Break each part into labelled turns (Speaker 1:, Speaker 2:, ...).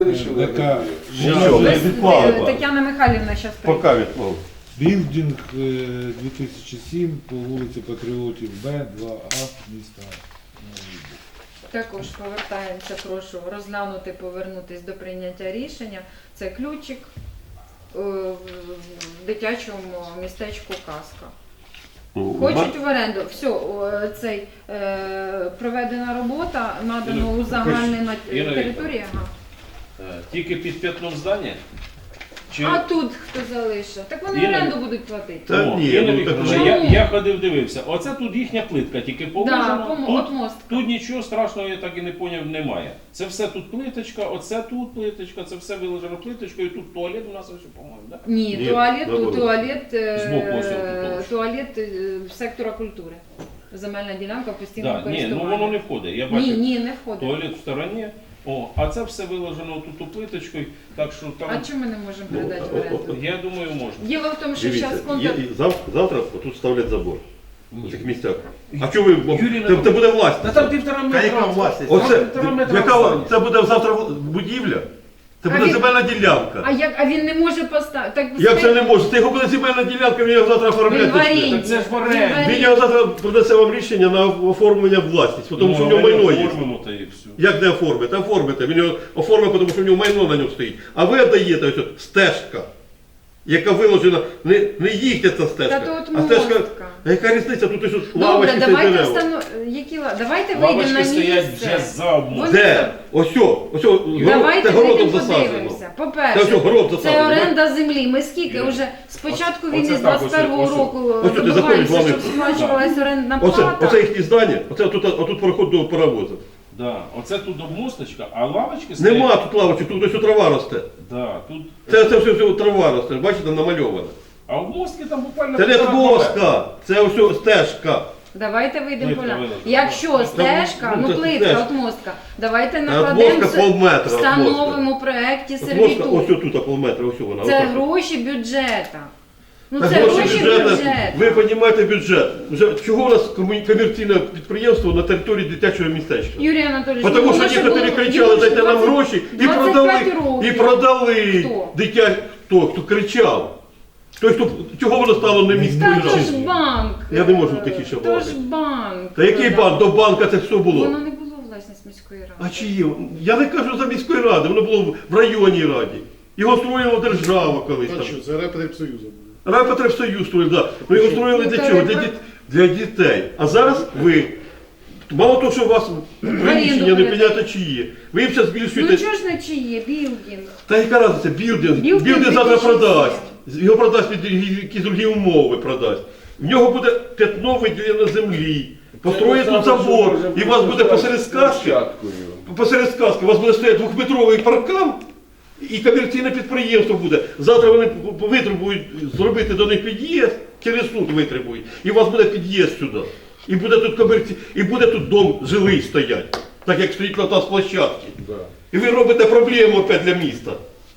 Speaker 1: Така
Speaker 2: Тетяна Михайлівна зараз прийде.
Speaker 3: Поки відмов.
Speaker 1: білдинг 2007 по вулиці Патріотів Б, 2А, міста.
Speaker 2: Також повертаємося, прошу розглянути, повернутися до прийняття рішення. Це ключик в дитячому містечку Казка. Хочуть в оренду. Все, цей проведена робота, надано у загальний на території. Ага.
Speaker 4: Тільки під п'ятном здання? Чи...
Speaker 2: А тут хто залишив? Так вони оренду будуть платити.
Speaker 3: Та
Speaker 4: О,
Speaker 3: ні,
Speaker 4: Інна
Speaker 3: ну,
Speaker 4: Вікторівна,
Speaker 2: так-
Speaker 4: я ходив, дивився. Оце тут їхня плитка, тільки положена.
Speaker 2: от мост.
Speaker 4: Тут нічого страшного, я так і не зрозумів, немає. Це все тут плиточка, оце тут плиточка, це все виложено плиточкою, і тут туалет у нас ось, по-моєму, так?
Speaker 2: Ні,
Speaker 3: Ні,
Speaker 2: туалет,
Speaker 3: наоборот.
Speaker 4: Збоку ось тут.
Speaker 2: туалет сектора культури. Земельна ділянка постійного
Speaker 4: Да, ні,
Speaker 2: користування.
Speaker 4: ну воно не входить. Я
Speaker 2: Ні,
Speaker 4: бачив,
Speaker 2: ні, не входить.
Speaker 4: туалет в стороні. О, а це все виложено тут плиточкою, так що там,
Speaker 2: А чому ми не можемо передати в оренду?
Speaker 4: я думаю, можна.
Speaker 2: Діло в тому, що
Speaker 3: Дивіться,
Speaker 2: зараз контракт...
Speaker 3: завтра тут ставлять забор. У цих місцях. А чого ви?
Speaker 4: Юрій
Speaker 3: Це буде власність.
Speaker 4: Та там 1,5 метра.
Speaker 5: яка власність?
Speaker 3: Оце,
Speaker 4: Півтора метра
Speaker 3: яка,
Speaker 4: відстані.
Speaker 3: це буде завтра будівля? Це
Speaker 2: А
Speaker 3: буде
Speaker 2: він-
Speaker 3: земельна ділянка.
Speaker 2: А він не може поставити? Так,
Speaker 3: Як це не може? Це його буде земельна ділянка, він його завтра
Speaker 2: Він в
Speaker 3: оформляти.
Speaker 2: оренді.
Speaker 4: Так це ж в
Speaker 2: Він
Speaker 4: оренді.
Speaker 2: в оренді.
Speaker 3: Він його завтра принесе вам рішення на оформлення власності, тому що в нього майно є.
Speaker 4: Оформимо та і все.
Speaker 3: Як не оформити? Оформите. Він його оформить, тому що в нього майно на ньому стоїть. А ви даєте ось стежка, яка виложена, не їхня ця стежка,
Speaker 2: Та тут
Speaker 3: а стежка.
Speaker 2: мостка.
Speaker 3: А яка різниця? Тут ось
Speaker 2: Добре,
Speaker 3: лавочки та
Speaker 2: давайте
Speaker 3: дерева.
Speaker 2: давайте вийдемо на
Speaker 4: Лавочки стоять вже
Speaker 2: місце.
Speaker 4: за обмовою.
Speaker 3: Де? Ось,
Speaker 2: Давайте
Speaker 3: це городом
Speaker 2: вийдемо
Speaker 3: засаджено.
Speaker 2: подивимося.
Speaker 3: Це
Speaker 2: По-перше,
Speaker 3: все, город
Speaker 2: це
Speaker 3: засаджено.
Speaker 2: оренда землі. Ми скільки
Speaker 4: Юрій,
Speaker 2: вже з початку
Speaker 4: оце
Speaker 2: війни, з
Speaker 4: так,
Speaker 2: 21-го
Speaker 4: ось-
Speaker 2: року
Speaker 3: ось тут
Speaker 2: добиваємося,
Speaker 3: заходить
Speaker 2: щоб
Speaker 3: главний-
Speaker 2: сплачувалася орендна
Speaker 3: Оце
Speaker 2: плата.
Speaker 3: їхні здання, отут проход до паровозу.
Speaker 4: Да. Оце тут обмосточка, а лавочки стоять.
Speaker 3: Нема тут лавочок, тут ось трава росте.
Speaker 4: Да, тут...
Speaker 3: Це все трава росте, бачите, намальована.
Speaker 4: А обмостки там буквально...
Speaker 3: Це не
Speaker 4: півтора метра.
Speaker 3: доска, це ось стежка.
Speaker 2: Давайте вийдемо
Speaker 4: Плитка
Speaker 2: поля.
Speaker 4: виложена.
Speaker 2: Якщо стежка,
Speaker 3: ну,
Speaker 2: ну
Speaker 3: це
Speaker 2: плитка,
Speaker 3: стежка.
Speaker 2: от мостка, давайте
Speaker 3: От
Speaker 2: накладемо,
Speaker 3: мостка полметра, от
Speaker 2: встановимо в проєкті
Speaker 3: Мостка,
Speaker 2: сервітут.
Speaker 3: ось тут полметра, ось вона.
Speaker 2: Це
Speaker 3: отак.
Speaker 2: гроші бюджета. Ну
Speaker 3: Та
Speaker 2: це гроші
Speaker 3: бюджету,
Speaker 2: бюджету.
Speaker 3: ви розумієте бюджет. Вже чого у нас комерційне підприємство на території дитячого містечка?
Speaker 2: Юрій Анатолійович,
Speaker 3: Тому
Speaker 2: ну,
Speaker 3: що
Speaker 2: воно ж
Speaker 3: некоторі
Speaker 2: було-
Speaker 3: кричали,
Speaker 2: йому ж
Speaker 3: дайте нам
Speaker 2: 20
Speaker 3: гроші, і
Speaker 2: 25
Speaker 3: продали,
Speaker 2: років. Хто?
Speaker 3: дитя, хто кричав. Той, чого воно стало не міською
Speaker 2: Та то ж
Speaker 3: радою?
Speaker 2: банк.
Speaker 3: Я не можу такі ще
Speaker 2: То
Speaker 3: балакати.
Speaker 2: ж банк.
Speaker 3: Та який банк? До банка це все було.
Speaker 2: Воно не було власність міської ради.
Speaker 3: А чи є? Я не кажу за міської ради, воно було в районній раді. Його строїла держава колись
Speaker 5: А
Speaker 3: там.
Speaker 5: що, це Райпотребсоюзу буде?
Speaker 3: Райпотребсоюз строїв, да. Ну його строїли для чого? Для дітей. А зараз ви, мало того, що у вас приміщення не
Speaker 2: передаєте.
Speaker 3: підняти чиї, ви їм зараз
Speaker 2: Ну
Speaker 3: збільшуєте.
Speaker 2: чого ж не чиє? Білдинг.
Speaker 3: Та яка разниця? Білдинг.
Speaker 2: Білдинг
Speaker 3: Білдинг завтра
Speaker 2: 2007.
Speaker 3: продасть. Його продасть під якісь другі умови продасть. В нього буде п'ятно виділено землі. Построїть тут забор, і у вас буде посеред сказки, у вас буде стояти двохметровий паркан, і комерційне підприємство буде. Завтра вони витребують зробити до них під'їзд, через суд витребують, і у вас буде під'їзд сюди. І буде тут і буде тут дом жилий стоять, так як стоїть на нас площадки. І ви робите проблему опять для міста.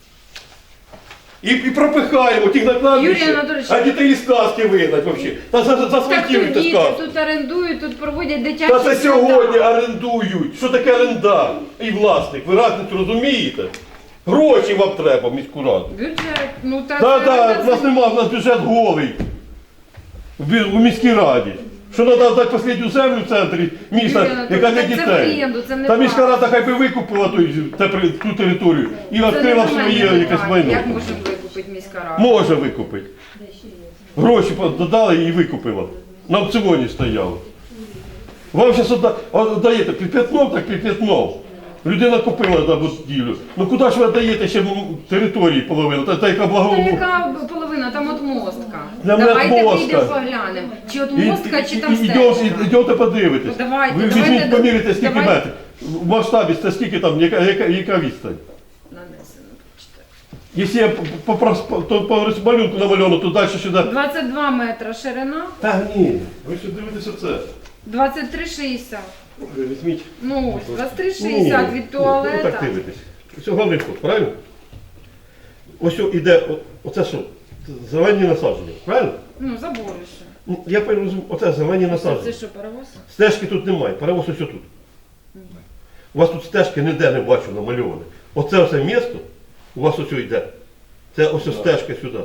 Speaker 3: І пропихаємо тих на
Speaker 2: Юрій
Speaker 3: кладбище,
Speaker 2: Анатолійович,
Speaker 3: а дітей із сказки вигнать взагалі. Та
Speaker 2: Так тут
Speaker 3: засвітіруйте
Speaker 2: діти,
Speaker 3: сказку.
Speaker 2: тут орендують, тут проводять дитячі
Speaker 3: Та це
Speaker 2: свята.
Speaker 3: сьогодні орендують. Що таке орендар і власник? Ви разницю розумієте? Гроші вам треба в міську раду.
Speaker 2: Бюджет, ну та
Speaker 3: Так, у нас нема, у нас бюджет голий у міській раді. Що треба дати останню землю в центрі міста,
Speaker 2: Юрій Анатолійович,
Speaker 3: яка для
Speaker 2: так це
Speaker 3: дітей.
Speaker 2: оренду, це не
Speaker 3: Та міська
Speaker 2: право.
Speaker 3: рада хай би викупила ту територію і
Speaker 2: Це
Speaker 3: відкрила
Speaker 2: не
Speaker 3: своє
Speaker 2: нормальне
Speaker 3: якесь
Speaker 2: питання.
Speaker 3: майно.
Speaker 2: Як можемо викупити міська рада?
Speaker 3: Може викупити. Гроші додали і викупила. На аукціоні стояло. Вам зараз даєте під п'ятном, так під п'ятном. Людина купила на будівлю. Ну куди ж ви даєте ще території половину? Та яка
Speaker 2: Та
Speaker 3: благо...
Speaker 2: яка половина? Там от мостка.
Speaker 3: Там
Speaker 2: Давайте
Speaker 3: мостка.
Speaker 2: вийдемо поглянемо. Чи от мостка, чи там
Speaker 3: Ідете
Speaker 2: стежка.
Speaker 3: подивитись.
Speaker 2: Ну, давайте,
Speaker 3: Ви
Speaker 2: давайте,
Speaker 3: візьміть, поміряйте, скільки
Speaker 2: давайте.
Speaker 3: метрів. В масштабі це скільки там, яка відстань.
Speaker 2: Нанесено, прочитаю.
Speaker 3: Якщо я по малюнку намальовано, то далі сюди.
Speaker 2: 22 метра ширина,
Speaker 3: Та ні, ви що дивитеся це?
Speaker 2: 23,60.
Speaker 3: Ви візьміть.
Speaker 2: Ну, ось 23,60 від
Speaker 3: Ну
Speaker 2: туалета.
Speaker 3: так дивитесь. Ось головний вход, правильно? Ось іде, оце що? Зелені насадження, правильно?
Speaker 2: Ну, заборище.
Speaker 3: Ну, я розумію, оце зелені
Speaker 2: Це
Speaker 3: насадження.
Speaker 2: що, паровоз?
Speaker 3: Стежки тут немає, перевоз ось тут. У вас тут стежки ніде не бачу намальовані. Оце все місто у вас ось йде. Це ось стежка сюди.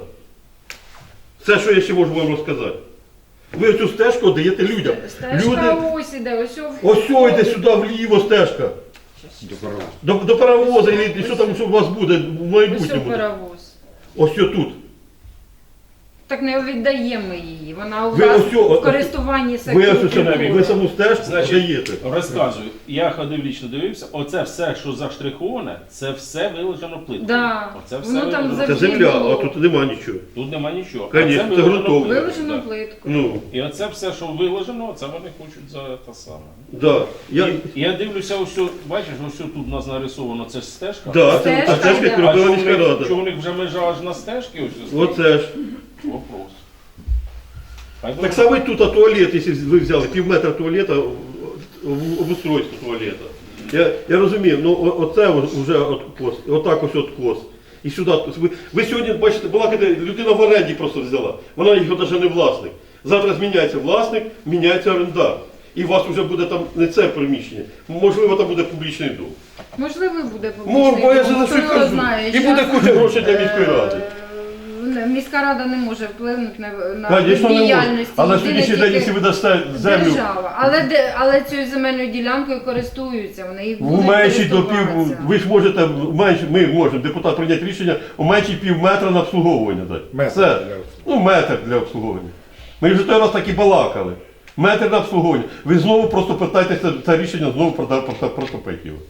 Speaker 3: Це, що я ще можу вам розказати. Ви оцю стежку даєте людям.
Speaker 2: Стежка ось іде, ось
Speaker 3: Ось йде сюди вліво стежка. До паровоза, і що там що у вас буде в
Speaker 2: Ось
Speaker 3: майбутньому.
Speaker 2: паровоз.
Speaker 3: Ось тут.
Speaker 2: Так не віддаємо ми її. Вона у
Speaker 3: Ви
Speaker 2: вас
Speaker 3: ось цього-
Speaker 2: в користуванні
Speaker 3: Ви
Speaker 2: сектору
Speaker 3: ось ось
Speaker 2: культури.
Speaker 3: ви саму стежку
Speaker 4: Значить,
Speaker 3: даєте.
Speaker 4: Розказую, я ходив лічно дивився, оце все, що заштриховане, це все виложено плиткою.
Speaker 2: Да.
Speaker 4: Оце все
Speaker 2: Воно там
Speaker 4: виложено.
Speaker 3: Це
Speaker 2: завжди
Speaker 3: земля,
Speaker 2: було.
Speaker 3: а тут нема нічого.
Speaker 4: Тут нема нічого.
Speaker 3: Конечно,
Speaker 4: А
Speaker 3: це
Speaker 4: виложено
Speaker 3: ґрунтовно.
Speaker 4: плиткою,
Speaker 2: Виложено
Speaker 4: да.
Speaker 2: плитку.
Speaker 3: Ну,
Speaker 4: І оце все, що виложено, це вони хочуть за те саме.
Speaker 3: да.
Speaker 4: Я дивлюся, ось, бачиш, ось тут у нас нарисовано, це ж стежка.
Speaker 3: Да, це
Speaker 2: Стежка,
Speaker 3: стежка,
Speaker 2: да.
Speaker 3: яку
Speaker 4: А
Speaker 3: робила
Speaker 4: що
Speaker 3: міська рада.
Speaker 4: у них вже межа аж на стежки? Ось,
Speaker 3: Оце ж.
Speaker 4: Вопрос. Хай
Speaker 3: Так
Speaker 4: буде.
Speaker 3: само і тут туалет, якщо ви взяли півметра туалета, обустройство туалета. Я розумію, ну оце вже откос, отак ось откос. І сюди. Ви сьогодні, бачите, балакаєте, людина в оренді просто взяла. Вона його навіть не власник. Завтра зміняється власник, міняється орендар. І у вас вже буде там не це приміщення. Можливо, там буде публічний дом.
Speaker 2: Можливо, буде
Speaker 3: Бо
Speaker 2: публічний
Speaker 3: я
Speaker 2: дом,
Speaker 3: за
Speaker 2: хто
Speaker 3: що
Speaker 2: його
Speaker 3: кажу.
Speaker 2: знає.
Speaker 3: І буде куча грошей для міської ради.
Speaker 2: Міська рада не може вплинути на
Speaker 3: Звісно, не може.
Speaker 2: діяльність.
Speaker 3: А на
Speaker 2: єдине
Speaker 3: сьогоднішній
Speaker 2: тільки
Speaker 3: день, якщо ви дасте землю
Speaker 2: держава. Але цією земельною ділянкою користуються. Вони їх
Speaker 3: в
Speaker 2: будуть
Speaker 3: меншій до пів,
Speaker 2: користуватися.
Speaker 3: ви ж можете, ми можемо, депутат прийняти рішення, у меншій пів метра на обслуговування дати.
Speaker 1: Метр
Speaker 3: Все.
Speaker 1: для обслуговування.
Speaker 3: Ну, метр для обслуговування. Ми вже той раз так і балакали. Метр на обслуговування. Ви знову просто питаєтеся це рішення, знову протопити його.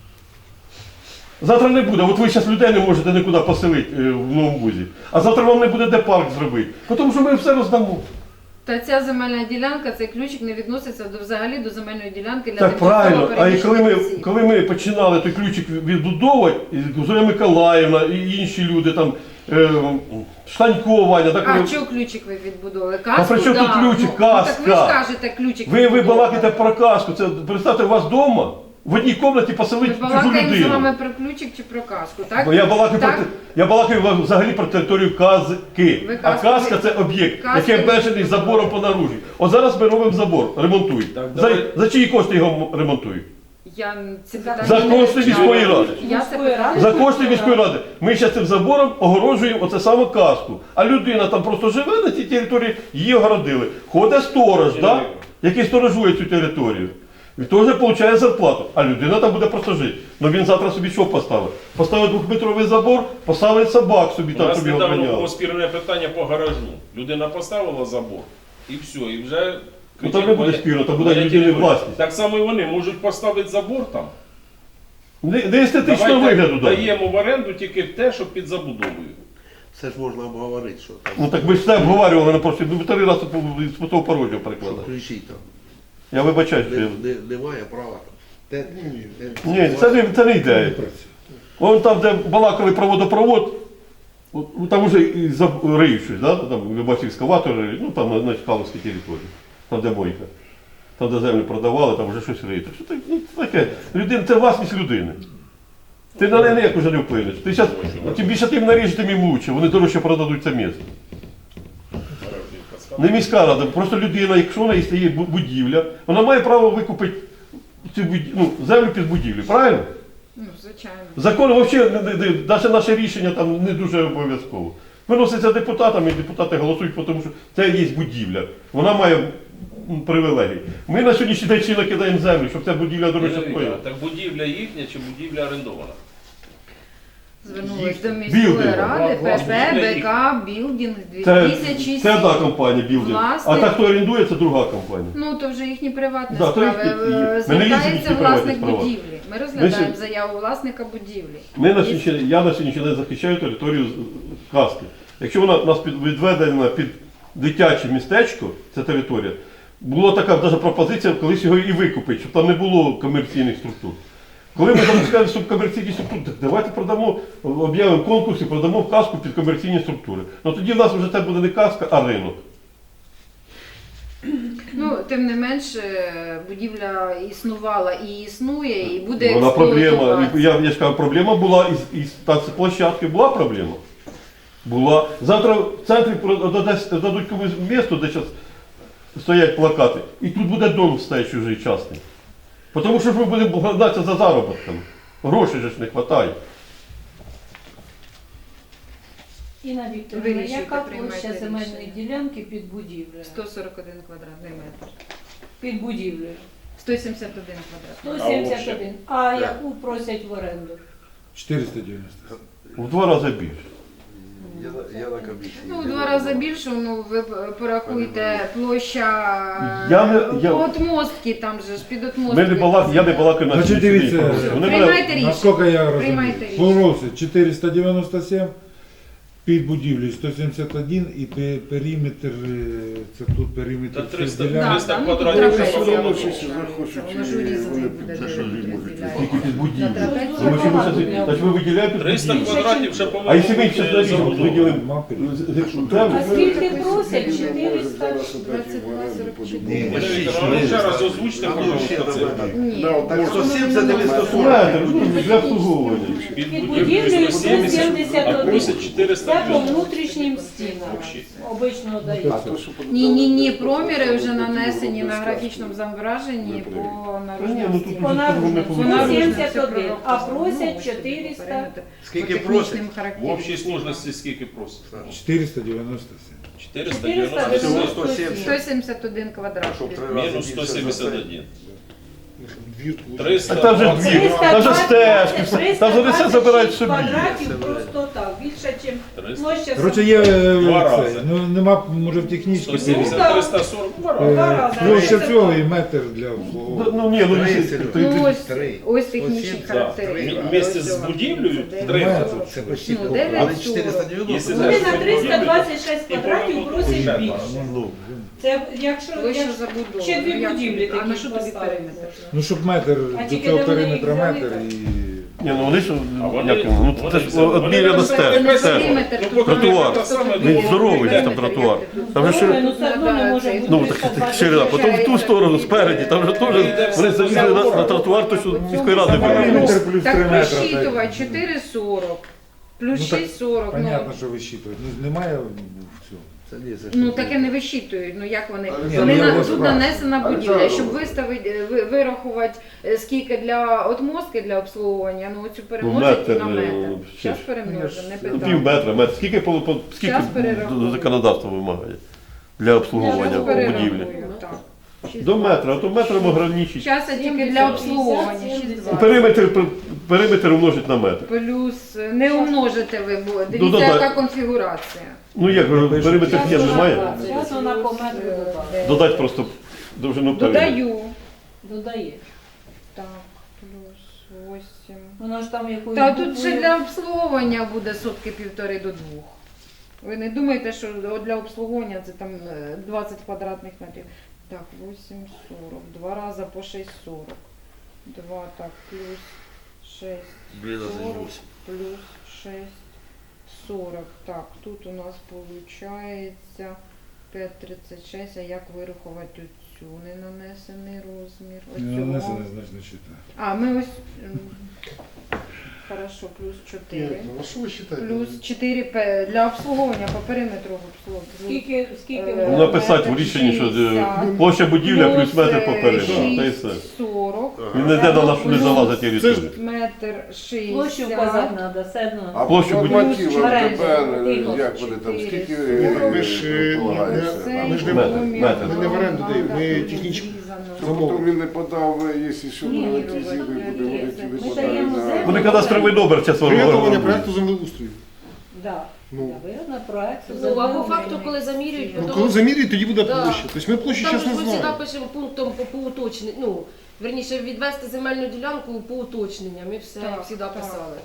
Speaker 3: Завтра не буде. От ви зараз людей не можете нікуди поселити в Новому Бузі. А завтра вам не буде де парк зробити. Тому що ми все роздамо.
Speaker 2: Та ця земельна ділянка, цей ключик не відноситься взагалі до земельної ділянки для
Speaker 3: Так правильно. А і
Speaker 2: переміщених осіб.
Speaker 3: коли ми починали той ключик відбудовувати, і Зоя Миколаївна і інші люди там, Штанько, Ваня, так
Speaker 2: А
Speaker 3: вони-
Speaker 2: чого ключик ви відбудовували? Каску?
Speaker 3: при чому тут ключик?
Speaker 2: Ну, так ви ж
Speaker 3: Каска.
Speaker 2: кажете, ключик
Speaker 3: ви
Speaker 2: відбудовували.
Speaker 3: балакаєте про казку. Це представте, у вас вдома в одній кімнаті
Speaker 2: Ми
Speaker 3: поселити чужу
Speaker 2: балакаємо з
Speaker 3: людину.
Speaker 2: вами про ключик чи про каску, так?
Speaker 3: Бо я балакаю,
Speaker 2: Так?
Speaker 3: я балакаю взагалі про територію казки.
Speaker 2: Ви
Speaker 3: А
Speaker 2: казку
Speaker 3: казка
Speaker 2: ви-
Speaker 3: це об'єкт,
Speaker 2: казку
Speaker 3: який
Speaker 2: ви-
Speaker 3: обмежений забором по наружі. От зараз ми робимо забор, ремонтують.
Speaker 4: Так,
Speaker 3: За,
Speaker 4: давай.
Speaker 3: за чиї кошти його ремонтують?
Speaker 2: Я ці питання
Speaker 3: За
Speaker 2: не
Speaker 3: кошти
Speaker 2: вивчала.
Speaker 3: міської ради.
Speaker 2: Я це питання
Speaker 3: За
Speaker 2: не
Speaker 3: кошти
Speaker 2: вивчала.
Speaker 3: міської ради. Ми зараз цим забором огороджуємо оце саме казку. А людина там просто живе на цій території, її огородили. Ходить сторож, да? який сторожує цю територію. Він теж отримує зарплату, а людина там буде просто жити. Ну він завтра собі що поставить? Поставить 2-метровий забор, поставить собак собі
Speaker 4: У
Speaker 3: там
Speaker 4: нас
Speaker 3: собі
Speaker 4: недавно було
Speaker 3: охороняли.
Speaker 4: спірне питання по гаражу. Людина поставила забор і все, і вже...
Speaker 3: Ну там не буде спірно, там буде
Speaker 4: моя
Speaker 3: людини
Speaker 4: територія.
Speaker 3: власність.
Speaker 4: Так само і вони можуть поставити забор там.
Speaker 3: Не естетичного
Speaker 4: Давайте
Speaker 3: вигляду дає.
Speaker 4: даємо в оренду тільки те, що під забудовою.
Speaker 5: Це ж можна обговорити, що там.
Speaker 3: Ну так ми ж все обговорювали на прошлі, ми 3 рази з пустого порожнього
Speaker 5: Що
Speaker 3: перекладали.
Speaker 5: ключі там.
Speaker 3: Я вибачаюсь, що я...
Speaker 5: Немає права. Те,
Speaker 3: Ні, це не ідея. Вон там, де балакали про водопровод, там вже і риють щось, да? Там, ви бачите, екскаватори, ну там на Чкаловській території, там де мойка. Там, де землю продавали, там вже щось риють. Що таке? Людина, це власність людини. Ти на неї ніяк уже не вплинеш. Ти щас, тим більше тим наріжеш, тим їм лучше. Вони дорожче продадуть це місце. Не міська рада, просто людина, якщо вона є будівля, вона має право викупити цю землю під будівлю, правильно?
Speaker 2: Ну, звичайно.
Speaker 3: Закон взагалі, навіть наше рішення там не дуже обов'язково. Виноситься депутатами, і депутати голосують, тому що це є будівля. Вона має привілегії. Ми на сьогоднішній день ще накидаємо землю, щоб ця будівля дорожче стояла.
Speaker 4: Так будівля їхня чи будівля орендована?
Speaker 2: Звернулись до міської
Speaker 3: Білдинг.
Speaker 2: ради, ПП,
Speaker 4: Білдинг.
Speaker 2: БК, Білдинг,
Speaker 3: Це
Speaker 2: 2007.
Speaker 3: одна компанія білдинг. А
Speaker 2: Власник.
Speaker 3: та, хто орендує, це друга компанія.
Speaker 2: Ну, то вже їхні приватні
Speaker 3: Да, то
Speaker 2: справи.
Speaker 3: їхні- ми не ліземо в
Speaker 2: Звертається
Speaker 3: їхні приватні
Speaker 2: власник
Speaker 3: справи.
Speaker 2: будівлі. Ми розглядаємо
Speaker 3: Ми
Speaker 2: заяву власника будівлі.
Speaker 3: Я на сьогоднішній день захищаю територію казки. Якщо вона у нас відведена під дитяче містечко, ця територія, була така навіть пропозиція колись його і викупити, щоб там не було комерційних структур. Коли ми запускаємо комерційні структури, так давайте продамо, об'явимо конкурс і продамо в казку під комерційні структури. Ну тоді в нас вже це буде не казка, а ринок.
Speaker 2: Ну, тим не менш, будівля існувала і існує, і буде
Speaker 3: Вона проблема.
Speaker 2: експлуатуватися.
Speaker 3: Я ж кажу, проблема була із площадки, була проблема. Була. Завтра в центрі дадуть комусь місто, де зараз стоять плакати, і тут буде дом стоять чужий частний. Тому що ж ми будемо гнатися за заробітками. Грошей же ж не вистачає.
Speaker 6: Інна Вікторівна,
Speaker 2: Вирішуйте,
Speaker 6: яка
Speaker 2: приймайте
Speaker 6: площа земельної
Speaker 2: рішення.
Speaker 6: ділянки під будівлею?
Speaker 2: 141 квадратний метр.
Speaker 6: Під будівлею.
Speaker 2: 171 квадратний.
Speaker 6: 171. А яку просять в оренду?
Speaker 1: 490.
Speaker 3: В 2 рази більше.
Speaker 5: Я на комісії.
Speaker 2: Ну, в 2 рази більше, ну ви порахуйте площа от мостки, там же ж під отмостки.
Speaker 3: Я не балакаю на
Speaker 1: Значить,
Speaker 3: сьогоднішній
Speaker 1: дивіться,
Speaker 3: день. Вони мене-
Speaker 2: Приймайте рішення.
Speaker 1: Наскільки я розумію,
Speaker 2: Приймайте рішення.
Speaker 1: просить 497, під будівлею 171 і периметр, це тут периметр
Speaker 4: Та
Speaker 1: цих
Speaker 4: 300
Speaker 1: ділянок.
Speaker 4: 300
Speaker 2: ну,
Speaker 4: квадратів.
Speaker 2: трапеція.
Speaker 4: Все одно
Speaker 2: Воно ж урізаний буде, де розділяється.
Speaker 3: Скільки під будівлею?
Speaker 2: На трапецію.
Speaker 3: Тому що ми щас- значить, ми виділяємо під
Speaker 4: 300
Speaker 3: будівлю.
Speaker 4: квадратів ще,
Speaker 3: А якщо ми
Speaker 4: по-моєму,
Speaker 3: зараз на рік
Speaker 4: забудова.
Speaker 3: виділимо
Speaker 6: А скільки просять? 400?
Speaker 2: 22,44.
Speaker 4: Ірина Вікторівна, ну, ще раз озвучте, пожалуйста, це.
Speaker 2: Ні.
Speaker 5: Так, 170 или 140?
Speaker 3: метр для обслуговування.
Speaker 4: Під
Speaker 6: Під
Speaker 4: будівлею
Speaker 6: будівлею
Speaker 4: 170, а просять
Speaker 6: Це
Speaker 4: 400.
Speaker 6: по внутрішнім стінам. Обично дають.
Speaker 2: Ні, проміри вже нанесені на графічному зображенні по
Speaker 3: Ні,
Speaker 2: наружним
Speaker 3: ну тут
Speaker 2: стінам.
Speaker 6: По наружним
Speaker 2: По наружним
Speaker 6: 171, а
Speaker 2: все
Speaker 6: просять
Speaker 2: прораховано,
Speaker 6: 400.
Speaker 2: периметр.
Speaker 5: Скільки
Speaker 2: По технічним
Speaker 5: просять?
Speaker 4: В общій
Speaker 2: характеристикам.
Speaker 4: сложності скільки просять?
Speaker 1: 497.
Speaker 4: 490
Speaker 5: 170.
Speaker 2: 171 квадрат.
Speaker 4: мінус 171.
Speaker 3: А
Speaker 4: 300.
Speaker 3: там же двір, там же стежки, там же все забирають собі.
Speaker 6: квадратів просто так, більше, ніж площа.
Speaker 1: Коротше, є
Speaker 4: Два
Speaker 1: це,
Speaker 4: рази.
Speaker 1: ну нема, може в технічній
Speaker 4: 170, 340.
Speaker 6: Два рази.
Speaker 1: площа цього і метр для обслуговування.
Speaker 3: Ну ні, ну
Speaker 2: Ну, ось,
Speaker 5: Три.
Speaker 2: ось технічні
Speaker 5: 170,
Speaker 2: характеристики.
Speaker 4: Вместе
Speaker 2: Ось
Speaker 4: з
Speaker 2: цього.
Speaker 4: будівлею
Speaker 2: Це
Speaker 4: 30.
Speaker 5: Це почти
Speaker 2: Ну,
Speaker 5: половина.
Speaker 2: 9,40.
Speaker 5: Але 490.
Speaker 4: Якщо
Speaker 6: Вони
Speaker 4: це
Speaker 6: на 326
Speaker 4: і
Speaker 6: квадратів просять
Speaker 4: порахувати.
Speaker 6: більше.
Speaker 1: Ну,
Speaker 6: Це якщо
Speaker 2: Площа забудови.
Speaker 6: ще дві
Speaker 2: Як-
Speaker 6: будівлі
Speaker 2: А на
Speaker 6: такі
Speaker 2: що тобі
Speaker 6: поставити.
Speaker 2: периметр?
Speaker 1: ну щоб метр,
Speaker 6: А
Speaker 1: до
Speaker 6: тільки
Speaker 1: цього
Speaker 6: де вони
Speaker 1: периметра
Speaker 6: їх взяли,
Speaker 1: метр
Speaker 6: так?
Speaker 1: і...
Speaker 3: Ні, ну вони ж,
Speaker 4: А вони-
Speaker 3: як його, ну це ж одміряно стежка.
Speaker 2: Периметр тут
Speaker 3: Тротуар.
Speaker 2: просто
Speaker 3: Він
Speaker 2: тут
Speaker 3: здоровий,
Speaker 2: периметр,
Speaker 3: там тротуар.
Speaker 2: як ти
Speaker 3: Там же ще,
Speaker 6: ну все одно не може бути
Speaker 3: ну
Speaker 6: 320.
Speaker 3: так ширина, потім в ту сторону, спереді, там же теж, вони залізли на тротуар, то що міської ради вивели.
Speaker 1: Периметр плюс 3
Speaker 2: Так
Speaker 1: метри.
Speaker 2: просчитувати 4,40 плюс
Speaker 1: Ну, так
Speaker 2: 6,40.
Speaker 1: Понятно, що висчитують. Ну, немає в цьому.
Speaker 5: Це ні, це
Speaker 2: Ну
Speaker 5: що?
Speaker 2: таке не висчитують. Ну як вони?
Speaker 1: Ні,
Speaker 2: Вони
Speaker 1: ну, я
Speaker 2: тут
Speaker 1: розправлю.
Speaker 2: нанесена будівля. Щоб виставити, вирахувати скільки для отмостки для обслуговування, ну цю перемножити
Speaker 3: метр,
Speaker 2: на метр.
Speaker 3: ще
Speaker 2: Зараз
Speaker 3: ж.
Speaker 2: перемножимо, не
Speaker 3: Ну,
Speaker 2: питання.
Speaker 3: пів метра, метр. Скільки, скільки
Speaker 2: Щас перерахую.
Speaker 3: законодавство вимагає для обслуговування
Speaker 2: Щас
Speaker 3: будівлі?
Speaker 2: перерахую, так.
Speaker 3: До метра, а то метром ограничить.
Speaker 2: Зараз тільки для обслуговування 6,20.
Speaker 3: Периметр умножить на метр.
Speaker 2: Плюс не умножите ви, бо
Speaker 3: Ну,
Speaker 2: дивіться,
Speaker 3: додай.
Speaker 2: яка конфігурація.
Speaker 3: Ну як, периметр є, немає?
Speaker 6: Зараз вона по метру додає.
Speaker 3: Додати просто довжину периметра.
Speaker 2: Додаю.
Speaker 6: Додає.
Speaker 2: Так, плюс 8.
Speaker 6: Вона ж там якоюсь
Speaker 2: Та тут ще
Speaker 6: буквою-
Speaker 2: для обслуговування буде сотки 1,5 до 2. Ви не думаєте, що для обслуговування це там 20 квадратних метрів. Так, 8,40. 2 рази по 6,40. 2, так, плюс 6,
Speaker 5: Блін, а це
Speaker 2: 40,
Speaker 5: 8.
Speaker 2: плюс 6, 40. Так, тут у нас виходить 5,36. А як вирахувати цю ненанесений розмір?
Speaker 1: Не
Speaker 2: Оцього?
Speaker 1: нанесено, значно читає.
Speaker 2: А, ми ось. Хорошо, плюс 4.
Speaker 7: Ну, а що ви вважаєте?
Speaker 2: Плюс 4 для обслуговування по периметру обслуговування.
Speaker 6: Скільки
Speaker 3: Ну, написати в рішенні, що площа будівля плюс метр по периметру. Та й все.
Speaker 2: 40.
Speaker 3: Він не йде на нашу не залазить територію.
Speaker 2: Метр
Speaker 6: площу
Speaker 2: 60.
Speaker 6: вказати треба, все одно.
Speaker 7: А
Speaker 3: Площу
Speaker 7: по
Speaker 3: будівлі.
Speaker 7: нормативам
Speaker 6: Оренда.
Speaker 7: тепер,
Speaker 6: Тихо.
Speaker 7: як вони там, скільки
Speaker 2: Ну,
Speaker 7: ви ж полагаєшся?
Speaker 1: Ми ж не
Speaker 3: Метр.
Speaker 7: Ми не в оренду даємо, ми технічно. Тобто він не подав, якщо що
Speaker 6: Ні,
Speaker 7: монетизує, буде говорити,
Speaker 6: ми
Speaker 7: ви
Speaker 6: даємо
Speaker 7: подали
Speaker 6: землю.
Speaker 3: Вони кадастровий номер зараз
Speaker 7: Приготовлення проекту землеустрою.
Speaker 6: Да.
Speaker 7: Ну.
Speaker 6: Да, вигідно проекту.
Speaker 8: Ну, а по факту, коли замірюють,
Speaker 7: Ну,
Speaker 8: то
Speaker 7: коли замірюють, тоді буде
Speaker 8: Да.
Speaker 7: площа. Тобто ми площу
Speaker 8: там
Speaker 7: зараз
Speaker 8: ж
Speaker 7: не
Speaker 8: ми завжди
Speaker 7: знаємо.
Speaker 8: пишемо пунктом по уточненню. Ну, верніше, відвести земельну ділянку по уточненням. Ми все
Speaker 2: Так,
Speaker 8: завжди
Speaker 2: так.
Speaker 8: писали.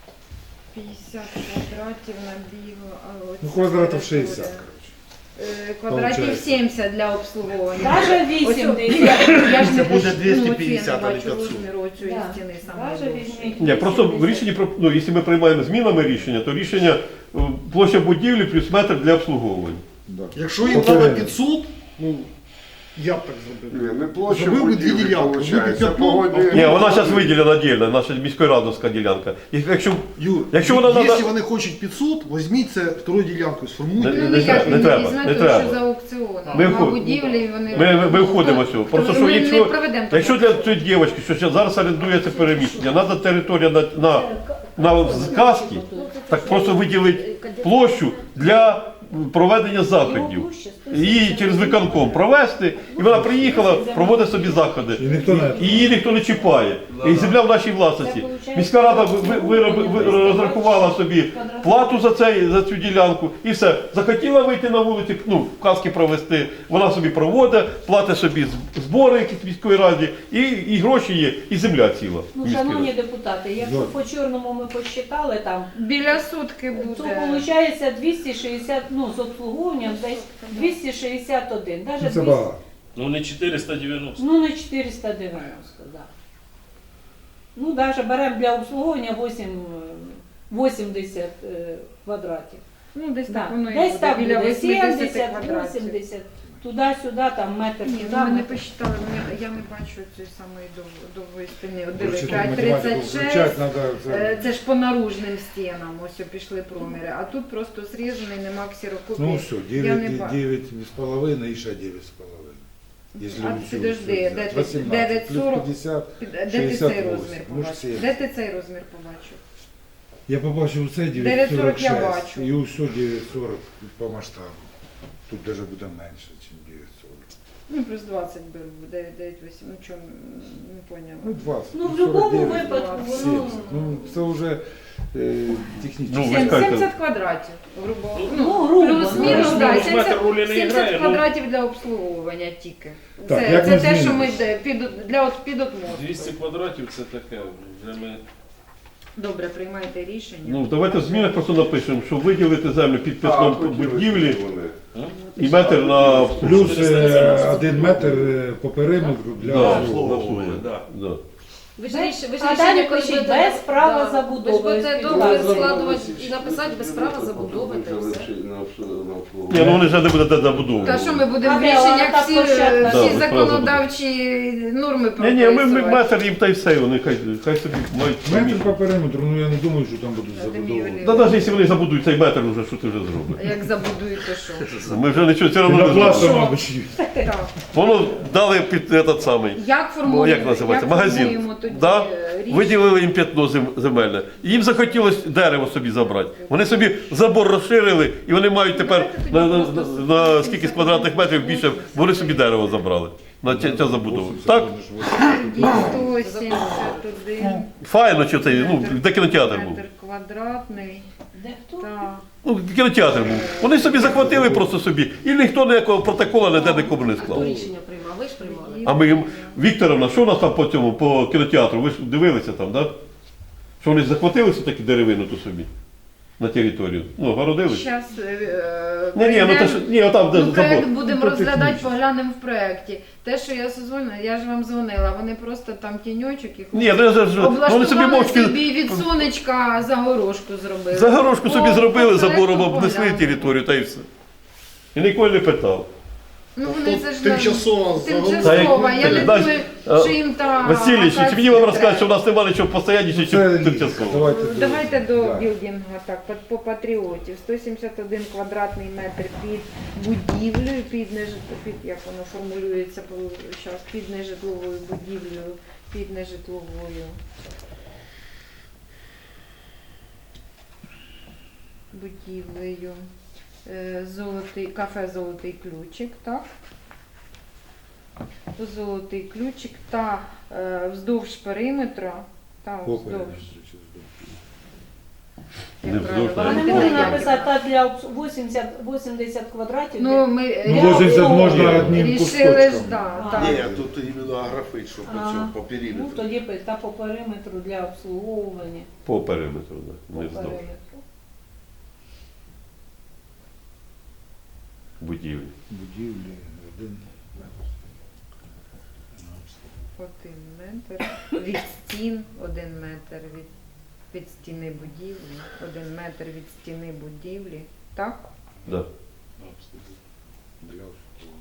Speaker 2: 50 квадратів набігло.
Speaker 1: Ну, квадратів 60.
Speaker 2: Квадратів
Speaker 1: Получається.
Speaker 2: 70 для обслуговування.
Speaker 6: Даже 80.
Speaker 2: Я ж не
Speaker 5: Це буде
Speaker 2: бачу,
Speaker 5: 250,
Speaker 2: ну,
Speaker 5: а не
Speaker 2: оці я не бачу
Speaker 5: 500.
Speaker 2: розміру цієї
Speaker 6: Да.
Speaker 2: стіни
Speaker 6: Даже
Speaker 2: саме.
Speaker 6: візьміть.
Speaker 3: Ні, просто в рішенні, ну, якщо ми приймаємо змінами рішення, то рішення площа будівлі плюс метр для обслуговування.
Speaker 1: Да.
Speaker 7: Якщо їм
Speaker 1: По
Speaker 7: треба
Speaker 1: периметру.
Speaker 7: 500, ну, я б так зробив. Ні, не площа Зробив би дві будівлі, ділянки. виходить. Зробив Це п'ятно, погодні-
Speaker 3: Ні, вона зараз виділена отдельно, наша міськрадовська ділянка. І якщо
Speaker 7: Юр,
Speaker 3: Якщо вона
Speaker 7: якщо
Speaker 3: надо-
Speaker 7: вони хочуть 500, візьміть це вторую ділянку, сформуйте.
Speaker 3: Не-
Speaker 2: Ну,
Speaker 3: не
Speaker 2: ніяк
Speaker 3: треба,
Speaker 2: він
Speaker 3: не треба,
Speaker 2: візьме,
Speaker 3: не
Speaker 2: тому
Speaker 3: треба.
Speaker 2: що за аукціоном.
Speaker 3: Ми
Speaker 2: На
Speaker 3: вход-
Speaker 2: будівлі вони...
Speaker 3: ми входимо в цього. Просто що
Speaker 2: Ми не
Speaker 3: якщо,
Speaker 2: проведемо
Speaker 3: якщо
Speaker 2: такого.
Speaker 3: для цієї дівчинки, що зараз орендується переміщення, треба територія на на сказки, так просто виділити площу для проведення заходів. Її через виконком провести, і вона приїхала, проводить собі заходи.
Speaker 1: І ніхто не...
Speaker 3: І її ніхто не чіпає. І земля в нашій власності. Міська рада розрахувала собі плату за цю ділянку і все. Захотіла вийти на вулицю, ну, казки провести, вона собі проводить, платить собі збори якісь в міської раді, і гроші є, і земля ціла. в
Speaker 6: Ну,
Speaker 3: міській
Speaker 6: шановні
Speaker 3: раді.
Speaker 6: депутати, якщо по чорному ми посчитали там,
Speaker 2: Біля сутки
Speaker 6: то
Speaker 2: буде.
Speaker 6: виходить 260, ну, з обслуговуванням десь 261. Даже
Speaker 1: Це
Speaker 6: 200,
Speaker 1: багато.
Speaker 4: Ну не 490.
Speaker 6: ну, не 490, да. Ну, навіть беремо для обслуговування 80 квадратів.
Speaker 2: Ну, десь
Speaker 6: Да.
Speaker 2: так воно і
Speaker 6: Десь
Speaker 2: буде,
Speaker 6: так
Speaker 2: біля
Speaker 6: буде
Speaker 2: 80
Speaker 6: 70,
Speaker 2: квадратів.
Speaker 6: 80, туди-сюди, там метр
Speaker 2: Ні,
Speaker 6: туди.
Speaker 2: ну ми не
Speaker 6: метр.
Speaker 2: посчитали, я не бачу цієї самої довгої стіни. От
Speaker 1: Короче,
Speaker 2: дивись,
Speaker 1: тут математику
Speaker 2: 36,
Speaker 1: включати надо.
Speaker 2: це ж по наружним стінам, ось пішли проміри, а тут просто зрізаний, нема ксерокопії.
Speaker 1: Ну все,
Speaker 2: Я не бачу.
Speaker 1: 9,5 і ще 9,5. Якщо
Speaker 2: А
Speaker 1: всю-
Speaker 2: підожди,
Speaker 1: всю
Speaker 2: де
Speaker 1: взяти.
Speaker 2: ти?
Speaker 1: 18 плюс
Speaker 2: 9,40?
Speaker 1: 50.
Speaker 2: Де ти цей
Speaker 1: 68,
Speaker 2: розмір
Speaker 1: може,
Speaker 2: побачив?
Speaker 1: 70.
Speaker 2: Де ти цей розмір побачив?
Speaker 1: Я побачив це
Speaker 2: 9,40 я
Speaker 1: 9,46
Speaker 2: бачу.
Speaker 1: і усе 9,40 по масштабу. Тут навіть буде менше, ніж 9,40.
Speaker 2: Ну, плюс 20 беру, 9,8, ну чому, не поняла.
Speaker 1: Ну 20.
Speaker 6: Ну, в будь-якому
Speaker 1: 49,
Speaker 6: випадку,
Speaker 1: 70. Ну, це вже технічно.
Speaker 3: Ну, ви скажете-
Speaker 2: 70 квадратів, грубо.
Speaker 6: Ну, грубо,
Speaker 2: Плюс-мінус,
Speaker 6: ну,
Speaker 2: да,
Speaker 4: ж метр
Speaker 2: 70,
Speaker 4: ролі не
Speaker 2: 70
Speaker 4: грає, ну.
Speaker 2: квадратів для обслуговування тільки.
Speaker 1: Так,
Speaker 2: Це,
Speaker 1: як
Speaker 2: це
Speaker 1: ми
Speaker 2: те, що ми
Speaker 1: змінюємося?
Speaker 2: під отмостку.
Speaker 4: 200 квадратів це таке. Вже ми...
Speaker 2: Добре, приймайте рішення.
Speaker 3: Ну, давайте в змінах просто напишемо, що виділити землю під п'ятном будівлі і метр на
Speaker 1: Плюс 1 метр по периметру для
Speaker 3: Да,
Speaker 1: обслуговування.
Speaker 3: да.
Speaker 8: Ви ж
Speaker 6: А
Speaker 8: рішення,
Speaker 6: далі
Speaker 8: коли
Speaker 6: пишіть,
Speaker 8: будете-
Speaker 6: без права
Speaker 8: да.
Speaker 6: забудови.
Speaker 8: Ви ж будете
Speaker 6: Без
Speaker 8: договір
Speaker 6: права
Speaker 8: складувати
Speaker 5: забудови.
Speaker 8: і написати без права забудови та все.
Speaker 3: Ні, ну вони вже не будуть забудовувати.
Speaker 2: Та що ми будемо в
Speaker 6: А де вона
Speaker 2: рішеннях
Speaker 6: та
Speaker 2: всі,
Speaker 6: площадка?
Speaker 3: Да,
Speaker 2: всі
Speaker 3: без
Speaker 2: законодавчі норми
Speaker 3: Ні, ні, ми
Speaker 2: прописувати?
Speaker 3: метр їм та й все, вони хай собі мають самі.
Speaker 1: Метр по периметру, ну я не думаю, що там будуть забудовувати.
Speaker 3: Та навіть якщо вони забудують цей метр, вже що ти вже зробиш?
Speaker 2: Як забудуєте, що?
Speaker 3: Ми вже нічого все одно не
Speaker 1: Пінопластом,
Speaker 3: зробимо.
Speaker 1: мабуть.
Speaker 2: Так.
Speaker 3: Воно дали під этот самий.
Speaker 2: Як формуємо,
Speaker 3: Як називається?
Speaker 2: як
Speaker 3: Магазин.
Speaker 2: формуємо тоді
Speaker 3: Да?
Speaker 2: рішення?
Speaker 3: Виділили їм п'ятно земельне. І їм захотілося дерево собі забрати. Вони собі забор розширили, і вони мають тепер на скільки з квадратних метрів більше, вони собі дерево забрали. На ця забудова. Так?
Speaker 2: 171
Speaker 3: Файно, що це, ну, де кінотеатр був.
Speaker 2: метр квадратний.
Speaker 6: Де хто?
Speaker 2: Так.
Speaker 3: Ну, кінотеатр був. Вони собі захватили просто собі, і ніхто ніякого протоколу ніде нікому не
Speaker 8: Хто
Speaker 3: склав.
Speaker 8: рішення приймав? Ви ж приймали.
Speaker 3: А ми їм, Вікторовна, що у нас там по цьому, по кінотеатру? Ви ж дивилися там, так? Да? Що вони захватили таку деревину ту собі на територію? Ну, городили?
Speaker 2: Щас,
Speaker 3: Ні, ну те, що, ні, отам, де
Speaker 2: ну, проект
Speaker 3: забор.
Speaker 2: будемо
Speaker 1: Ну, то
Speaker 2: розглядати,
Speaker 1: технічно.
Speaker 2: поглянемо в проєкті. Те, що я созвонила, я ж вам дзвонила, вони просто там тіньочок і
Speaker 3: Ні, ну, вони собі
Speaker 2: облаштували
Speaker 3: мовчки
Speaker 2: собі від сонечка загорожку зробили.
Speaker 3: загорожку собі
Speaker 2: О,
Speaker 3: зробили,
Speaker 2: по
Speaker 3: забором
Speaker 2: проекту
Speaker 3: обнесли
Speaker 2: поглянули.
Speaker 3: територію, та й все. І ніколи не питав.
Speaker 2: Ну вони це ж
Speaker 7: Тимчасово
Speaker 2: тимчасово, я не
Speaker 3: Знаєш,
Speaker 2: думаю, що їм та
Speaker 3: Васильович, чи мені вам
Speaker 2: акація
Speaker 3: розказати, що в
Speaker 2: треба.
Speaker 3: нас немає нічого постоянніше,
Speaker 1: Це
Speaker 3: чи тимчасово?
Speaker 2: Давайте до
Speaker 1: да.
Speaker 2: білдингу, так, по патріотів. 171 квадратний метр під будівлею, під як воно формулюється зараз, під нежитловою будівлею, під нежитловою. Будівлею. Кафе Золотий ключик, так? Золотий ключик та вздовж периметра, та
Speaker 1: По
Speaker 2: вздовж.
Speaker 1: периметру чи
Speaker 3: Не
Speaker 2: Як
Speaker 3: вздовж,
Speaker 2: правильно,
Speaker 6: А не
Speaker 3: Ні,
Speaker 6: можна
Speaker 2: Валентина
Speaker 6: написати
Speaker 2: Яківна.
Speaker 6: та для 80 квадратів.
Speaker 2: Ну, ми
Speaker 1: Ну, 80 можна
Speaker 3: Ні.
Speaker 1: одним
Speaker 2: рішили ж,
Speaker 1: кускочком.
Speaker 2: да,
Speaker 6: А.
Speaker 2: так.
Speaker 5: Ні, тут іменно аграфит, що по цьому, по
Speaker 6: Ну,
Speaker 5: периметру.
Speaker 6: тоді та по периметру для обслуговування.
Speaker 3: По периметру, да,
Speaker 6: По
Speaker 3: не вздовж
Speaker 6: периметру.
Speaker 3: будівлі.
Speaker 1: Будівлі, один.
Speaker 2: 1 метр від стін, 1 метр від стіни будівлі, 1 метр від стіни будівлі, так?
Speaker 3: Да.
Speaker 1: Для обслуговування.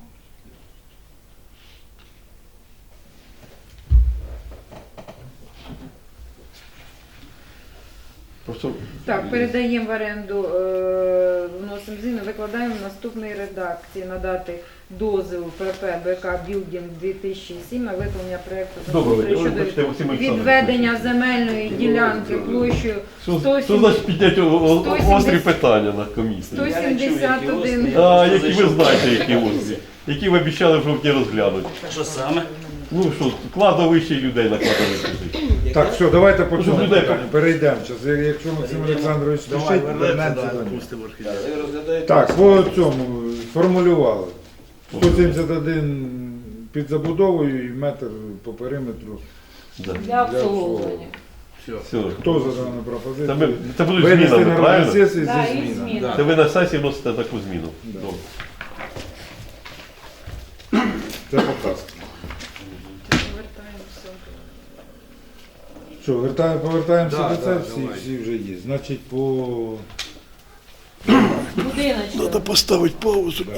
Speaker 3: Просто
Speaker 2: Так, передаємо в оренду, вносимо зміни, викладаємо в наступній редакції надати дозвіл ПП БК Білдінг 2007 на виконання проєкту
Speaker 3: Добре,
Speaker 2: землеустрою
Speaker 3: ви бачите, Максим
Speaker 2: щодо
Speaker 3: Олександрович.
Speaker 2: відведення земельної ділянки площею
Speaker 3: що значить підняти острі питання на комісії?
Speaker 2: 171.
Speaker 3: Які ви знаєте, які острі? Які ви обіцяли в жовтні розглянути?
Speaker 9: Що саме?
Speaker 3: Ну що, кладовище людей на кладовище.
Speaker 1: Так, все, давайте по
Speaker 3: Щоб
Speaker 1: цьому
Speaker 3: людей
Speaker 1: питанню перейдемо. Зараз, якщо Максим Олександрович спішить, вернемося до нього. Так, по цьому сформулювали. 171 під забудовою і метр по периметру.
Speaker 3: Да.
Speaker 6: Для обслуговування.
Speaker 3: Все.
Speaker 1: Хто за дану пропозицію?
Speaker 3: Це будуть
Speaker 1: Винести
Speaker 3: змінами,
Speaker 1: на
Speaker 3: правильно?
Speaker 1: розгляд сесії
Speaker 6: Да,
Speaker 1: зі
Speaker 6: і
Speaker 1: змінами.
Speaker 6: зміни.
Speaker 3: Це ви на сесії вносите таку зміну.
Speaker 1: Да.
Speaker 3: Добре.
Speaker 1: Це показка. Що, повертаємося
Speaker 5: Да,
Speaker 1: до це?
Speaker 5: да,
Speaker 1: Всі,
Speaker 5: давай.
Speaker 1: всі вже є. Значить, по
Speaker 6: Будиночок.
Speaker 3: Поставити паузу.